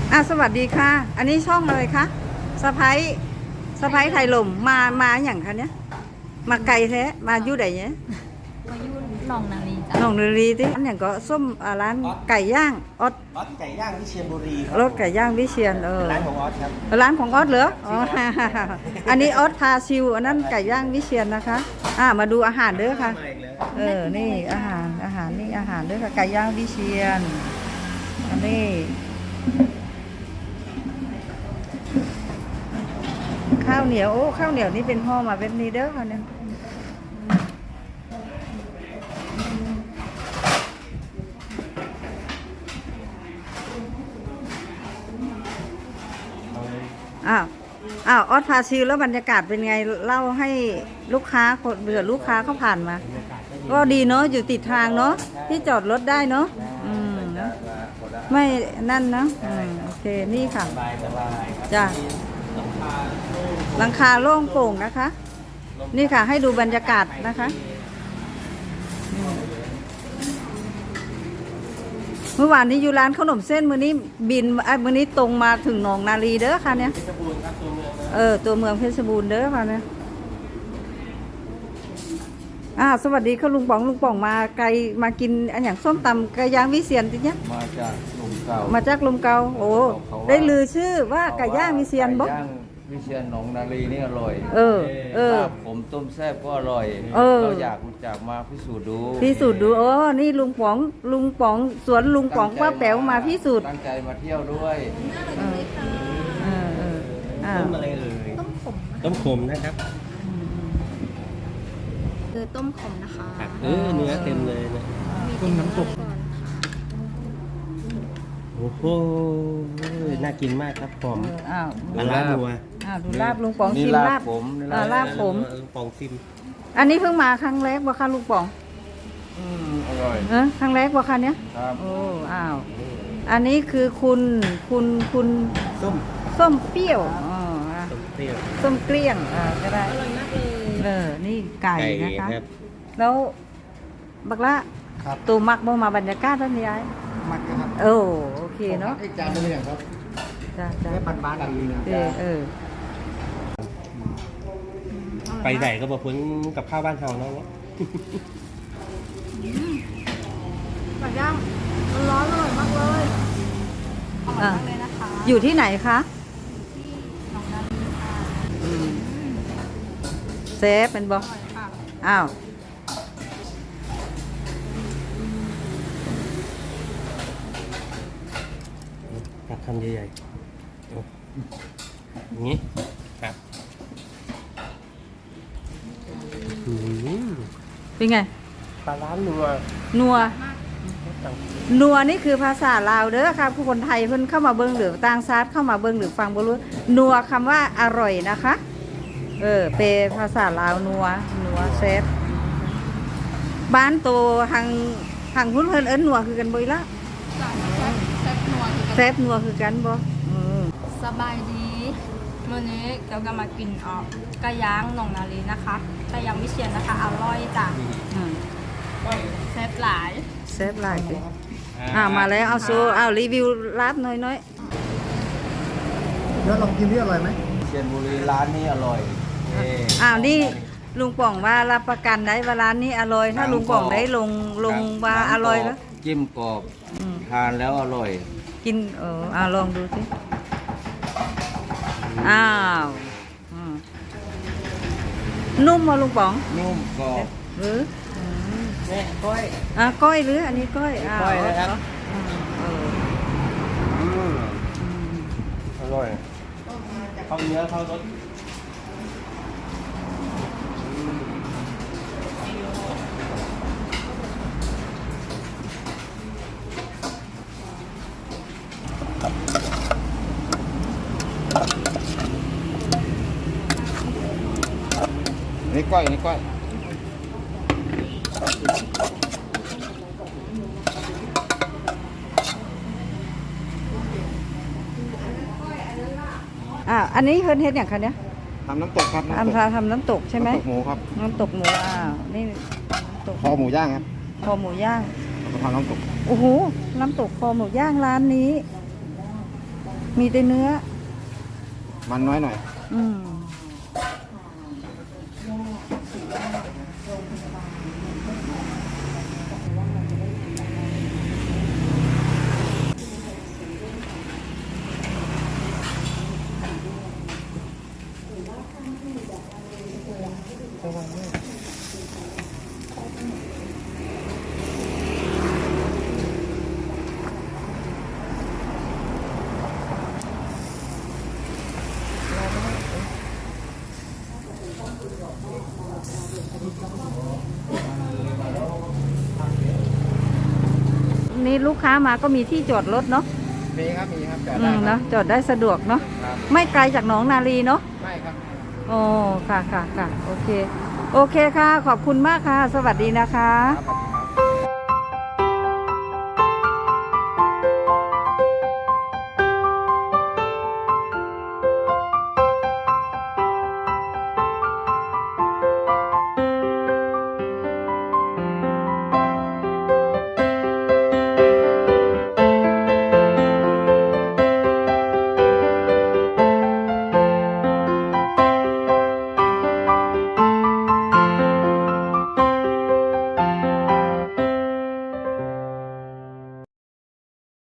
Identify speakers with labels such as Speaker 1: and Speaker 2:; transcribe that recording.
Speaker 1: สวัสดีค่ะอันนี้ช่องอะไรคะสะพ้ายไทยลมมาอย่างคะเนี้ยมาไกลแท้มาอยู่ไหนเนี้ย
Speaker 2: มายุ่นหนองนาลีจ้ะ
Speaker 1: หนองนาลีที่อันอย่างก็ส้มร้านไก่ย่างออส
Speaker 3: ไก่ย่างวิเชียรบุรีครั
Speaker 1: รถไก่ย่างวิเชียร
Speaker 3: ร้านของออสครับ
Speaker 1: ร้านของออสเหรออ๋ออันนี้ออสพาชิวอันนั้นไก่ย่างวิเชียรนะคะมาดูอาหารเด้อค่ะนี่อาหารนี่อาหารเด้อค่ะไก่ย่างวิเชียรอันนี้ข้าวเหนียวข้าวเหนียวนี่เป็นห่อมาแบบนี้เด้อค่ะเนี่ยออสพาชิลแล้วบรรยากาศเป็นไงเล่าให้ลูกค้าคนเบื่อลูกค้าเขาผ่านมาก็ดีเนาะอยู่ติดทางเนาะที่จอดรถได้เนาะเนาะไม่นั่นนะโอเคนี่ค่ะจ้ะหลังคาโล่งโปร่งนะคะนี่ค่ะให้ดูบรรยากาศนะคะเมื่อวานนี้อยู่ร้านขนมเส้นมื้อนี้บินมื้อนี้ตรงมาถึงหนองนาลีเด้อค่ะเนี่ยตัวเมืองเพชรบูรณ์เด้อค่ะเนี่ยสวัสดีค่ะลุงป๋องมาไกลมากินอันอย่างส้มตำไก่ย่างวิเชียรจริงเนี่ย
Speaker 3: มาจากลมเก่า
Speaker 1: ลมเก่าโอ้ได้ลือชื่อว่าไก่ย่างวิเชียรบ่
Speaker 3: วิเชียรหนองนาลีนี่อร่อยลาบผมต้มแซ่บก็อร่อยเราอยากรู้จักมาพิสูจน์ดู
Speaker 1: นี่ลุงป๋องสวนลุงป๋องป้าแป๋วมาพิสูจน์
Speaker 3: ตั้งใจมาเที่ยวด้วย
Speaker 2: ต้มอะไร
Speaker 4: ต้มขมนะครับ
Speaker 2: ต้มขมนะคะ
Speaker 4: เนื้อเต็มเลยนะต้มน้ำตกโอ้โหน่ากินมากครับหอมลาบนัว
Speaker 1: ดูลาบลุงป๋องชิมลาบ
Speaker 3: ผม
Speaker 1: ลาบผม
Speaker 4: ลุงป๋องชิม
Speaker 1: อันนี้เพิ่งมาครั้งแรกบ่คะลุงป๋อง
Speaker 3: อร่อย
Speaker 1: ครั้งแรกบ่คะเนี้ย
Speaker 3: ครับ
Speaker 1: อันนี้คือคุณส้มเปรี้ยวส้มเกลี้ยงก็ได้
Speaker 2: อร่อยมากเลย
Speaker 1: นี่ไก่นะคะแล้วบักละตูมักบ่มาบรรยากาศท่านยาย
Speaker 3: มักครับ
Speaker 1: โอเคเนาะ
Speaker 3: จานเป็นอย่างครับ
Speaker 1: จ้า
Speaker 3: บ้านดีนะ
Speaker 4: ไปไหนก็บอกพ้นกับข้าวบ้านเฮาเนาะ
Speaker 2: ไก่ย่างร้อนอร่อยมากเลยอร่อยมากเลยนะคะ
Speaker 1: อยู่ที่ไหนคะ
Speaker 2: ที่หนองนาลีค่ะ
Speaker 1: เซฟเป็นบ่
Speaker 4: ตักคำใหญ่ๆอย่างนี้ครับ
Speaker 1: เป็นไง
Speaker 4: ปลาร้านั
Speaker 1: วนี่คือภาษาลาวเด้อครับผู้คนไทยเพิ่นเข้ามาเบิ่งหรือต่างชาติเข้ามาเบิ่งหรือฟังบ่รู้นัวคำว่าอร่อยนะคะเปภาษาลาวนัวแซ่บบ้านโตทางพุ่นเพิ่นเอิ้นนัวคือกันบ่อีละแซ่บนัวคือกันบ่
Speaker 2: สบายดีวันนี้เรากำลังกินไก่ย่างหนองนาลีนะคะไก่ย่างวิเชียรนะคะอร่อยจ้ะแซ่บหลาย
Speaker 1: มาแล้วเอารีวิวลาบน้อย
Speaker 3: แล้วลองกินที่อร่อยไหมเชียรบุรีร้านนี้อร่อย
Speaker 1: นี่ลุงป๋องว่ารับประกันได้ว่าร้านนี้อร่อยถ้าลุงป๋องได้ลงว่าอร่อยแล้ว
Speaker 3: จิ้มกรอบทานแล้วอร่อย
Speaker 1: กินลองดูสินุ่มมาลุงป๋อง
Speaker 3: นุ่มกรอบก้อย
Speaker 1: ก้อยหรืออันนี้ก้อย
Speaker 3: นะครับอร่อยเข้าเนื้อเข้ารสนี่ก้อย
Speaker 1: อันนี้เฮ็ดอย่างคะเนี่ย
Speaker 3: ทำน้ำตกครับ
Speaker 1: ทำน้ำตกใช่ไหม
Speaker 3: น้ำตกหมูครับ
Speaker 1: น้ำตกหมูนี่
Speaker 3: คอหมูย่างครับ
Speaker 1: คอหมูย่าง
Speaker 3: ทำน้ำตก
Speaker 1: โอ้โหน้ำตกคอหมูย่างร้านนี้มีแต่เนื้อ
Speaker 5: มันน้อยหน่อย
Speaker 1: อืมนี่ลูกค้ามาก็มีที่จอดรถเนาะ
Speaker 5: มีครับจอด
Speaker 1: อื
Speaker 5: ได้
Speaker 1: ม
Speaker 5: ครั
Speaker 1: เนาะ
Speaker 5: บ
Speaker 1: จอดได้สะดวกเนาะ
Speaker 5: ครับ
Speaker 1: ไม่ไกลจากหนองนาลีเนาะ
Speaker 5: ไม่ครับ
Speaker 1: โอ้ค่ะค่ะค่ะโอเค โอเคค่ะ ขอบคุณมากค่ะ สวัสดีนะคะ
Speaker 5: ครับ